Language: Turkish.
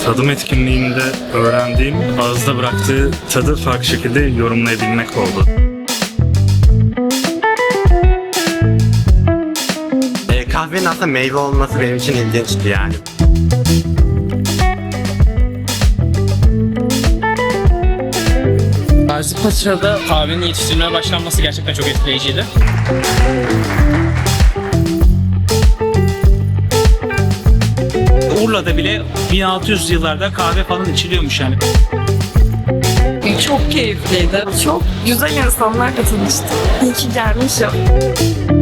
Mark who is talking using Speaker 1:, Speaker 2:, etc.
Speaker 1: Tadım etkinliğinde öğrendiğim, ağızda bıraktığı tadı farklı şekilde yorumlayabilmek oldu.
Speaker 2: Kahvenin aslında meyve olması benim için ilginçti yani.
Speaker 3: Gazipaşa'da kahvenin yetiştirilmeye başlanması gerçekten çok etkileyiciydi.
Speaker 4: Urla'da bile 1600 yıllarda kahve falan içiliyormuş yani.
Speaker 5: Çok keyifliydi. Çok güzel insanlarla tanıştım. İyi ki gelmişim.